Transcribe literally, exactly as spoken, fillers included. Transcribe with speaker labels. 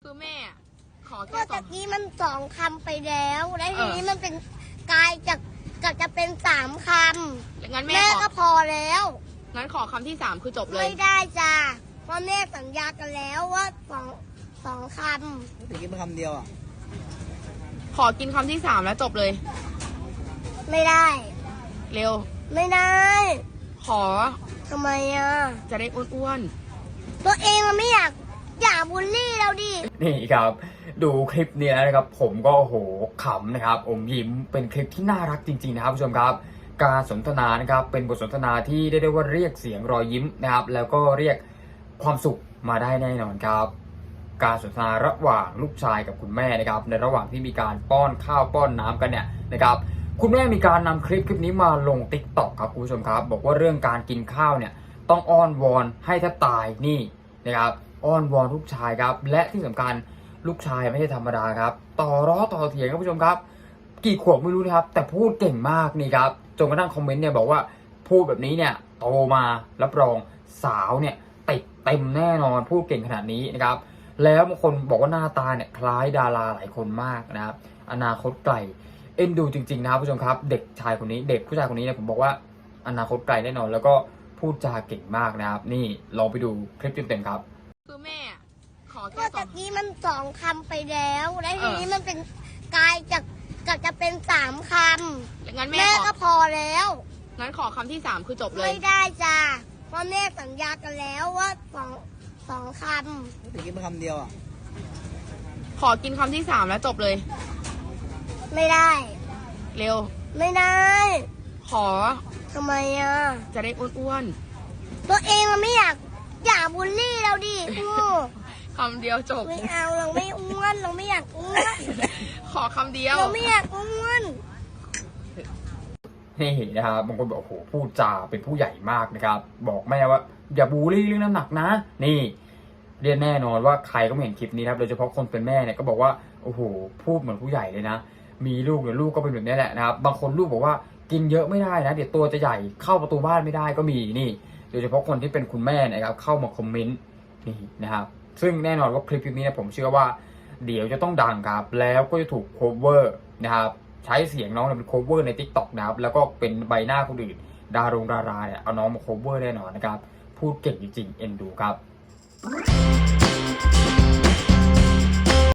Speaker 1: คือแม่ขอ
Speaker 2: ก็
Speaker 1: แค่สอ
Speaker 2: ตะ
Speaker 1: ง
Speaker 2: กี้มันสองคำไปแล้วแล้วที
Speaker 1: เออ
Speaker 2: นี้มันเป็นกลายจากจากจะเป็นสามค
Speaker 1: งั้น
Speaker 2: ำ
Speaker 1: แม่
Speaker 2: แม่
Speaker 1: ขอ
Speaker 2: ก็พอแล้ว
Speaker 1: งั้นขอคำที่สามคือจบเลย
Speaker 2: ไม่ได้จ้าเพราะแม่สัญญากันแล้วว่าสองสองค
Speaker 3: ตะกี้เป็นคำเดียวอ่ะ
Speaker 1: ขอกินคำที่สามแล้วจบเลย
Speaker 2: ำไม่ได้
Speaker 1: เร็ว
Speaker 2: ไม่ได้
Speaker 1: ขอ
Speaker 2: ทำไมอ่ะ
Speaker 1: จะได้อ้วน
Speaker 2: ตัวเองมันไม่อยากอยากบูลลี่เราดิ
Speaker 4: นี่ครับดูคลิปนี้แล้วนะครับผมก็โอ้โหขำนะครับอมยิ้มเป็นคลิปที่น่ารักจริงๆนะครับผู้ชมครับการสนทนานะครับเป็นบทสนทนาที่ได้ได้ว่าเรียกเสียงรอยยิ้มนะครับแล้วก็เรียกความสุขมาได้แน่นอนครับการสนทนาระหว่างลูกชายกับคุณแม่นะครับในระหว่างที่มีการป้อนข้าวป้อนน้ำกันเนี่ยนะครับคุณแม่มีการนำคลิปคลิปนี้มาลง ติ๊กต็อก ครับคุณผู้ชมครับบอกว่าเรื่องการกินข้าวเนี่ยต้องอ้อนวอนให้แทบตายนี่นะครับอ้อนวอนลูกชายครับและที่สำคัญลูกชายไม่ใช่ธรรมดาครับต่อร้อต่อเถียงครับผู้ชมครับกี่ขวบไม่รู้นะครับแต่พูดเก่งมากนี่ครับจนกระทั่งคอมเมนต์เนี่ยบอกว่าพูดแบบนี้เนี่ยโตมารับรองสาวเนี่ยติดเต็มแน่นอนพูดเก่งขนาดนี้นะครับแล้วบางคนบอกว่าหน้าตาเนี่ยคล้ายดาราหลายคนมากนะครับอนาคตไกลเอ็นดูจริงๆนะครับผู้ชมครับเด็กชายคนนี้เด็กผู้ชายคนนี้เนี่ยผมบอกว่าอนาคตไกลแน่นอนแล้วก็พูดจาเก่งมากนะครับนี่ลองไปดูคลิปเต็มๆครับ
Speaker 1: ๆคือแม่ขอ
Speaker 2: ก็
Speaker 1: แค่สอ
Speaker 2: ตะ
Speaker 1: ง
Speaker 2: กี้มันสองคำไปแล้วแล้วทีนี้
Speaker 1: เออ
Speaker 2: มันเป็นกลายจากจากจะเป็นสามค
Speaker 1: งั้น
Speaker 2: ำ
Speaker 1: แม่
Speaker 2: แม่
Speaker 1: ขอ
Speaker 2: ก็พอแล้ว
Speaker 1: งั้นขอคำที่สามคือจบเลย
Speaker 2: ไม่ได้จ้าเพราะแม่สัญญากันแล้วว่าสองสองค
Speaker 3: ตะกี้เป็นคำเดียวอ่ะ
Speaker 1: ขอกินคำที่สามแล้วจบเลย
Speaker 2: ำไม่ได้
Speaker 1: เร็ว
Speaker 2: ไม่ได้
Speaker 1: ขอ
Speaker 2: ทำไมอ่ะ
Speaker 1: จะได้อ้วน
Speaker 2: ตัวเองมันไม่อยากอยากบูลลี่เราดิโอ้
Speaker 1: ๆคำเดียวจบ
Speaker 2: ไม่เอาเราไม่อ้วนเราไม่อยากอ้วน
Speaker 1: ขอคำเดียว
Speaker 2: เราไม่อยากอ้วน
Speaker 4: นี่นะครับบางคนบอกโอ้โหพูดจาเป็นผู้ใหญ่มากนะครับบอกแม่ว่าอย่าบูลลี่เรื่องน้ำหนักนะนี่เรียนแน่นอนว่าใครก็ไม่เห็นคลิปนี้นะครับโดยเฉพาะคนเป็นแม่เนี่ยก็บอกว่าโอ้โหพูดเหมือนผู้ใหญ่เลยนะมีลูกเนี่ยลูกก็เป็นแบบนี้แหละนะครับบางคนลูกบอกว่ากินเยอะไม่ได้นะเดี๋ยวตัวจะใหญ่เข้าประตูบ้านไม่ได้ก็มีนี่โดยเฉพาะคนที่เป็นคุณแม่นะครับเข้ามาคอมเมนต์นี่นะครับซึ่งแน่นอนว่าคลิปนี้เนี่ยผมเชื่อว่าเดี๋ยวจะต้องดังครับแล้วก็จะถูกโคเวอร์นะครับใช้เสียงน้องเป็นโคเวอร์ใน ติ๊กต็อก นะครับแล้วก็เป็นใบหน้าคนอื่นดารงดาราเนี่ยเอาน้องมาโคเวอร์แน่นอนนะครับพูดเก่งจริงๆเอ็นดูครับ